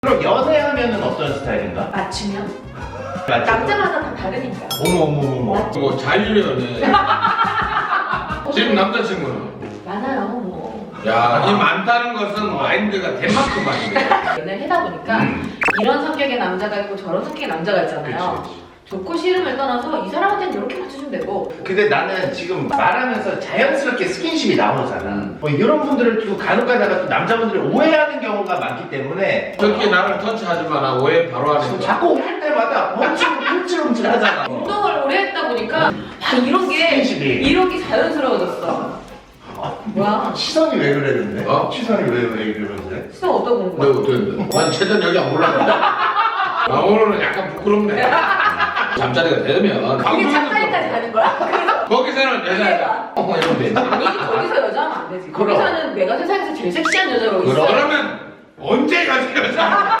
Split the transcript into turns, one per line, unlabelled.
그럼 연애하면은 어떤 스타일인가?
맞추면?
맞죠?
남자마다 다 다르니까.
어머.
뭐 자유연애. 지금 남자친구는?
많아요, 뭐.
야, 이 많다는 것은 마인드가 덴마크만이네.
연애를 하다 보니까 이런 성격의 남자가 있고 저런 성격의 남자가 있잖아요.
그치.
좋고 싫음을 떠나서 이 사람한테는 이렇게 맞춰주면 되고.
근데 나는 지금 말하면서 자연스럽게 스킨십이 나오잖아. 뭐 이런 분들을 또 간혹 가다가 또 남자분들이 오해하는 경우가 많기 때문에
저렇게 나를 터치하지 마라. 오해 바로 하는 거.
자꾸 할 때마다 움찔움찔 하잖아.
운동을 오래 했다 보니까 아, 이런 게 자연스러워졌어. 뭐야?
시선이 왜 그래 근데?
어?
시선이 왜 그러는데?
수업 어디다 보는
내가
거야?
어떻게 난 최전 여기 안 올라간다. 나 오늘은 약간 부끄럽네. 잠자리가 되면
이게 잠자리까지 가는 거야?
거기서는 여자애가 이러면 되지.
아니지, 거기서 여자하면 안 되지.
그럼.
거기서는 내가 세상에서 제일 섹시한 여자로 있어.
그러면 언제 가지 여자?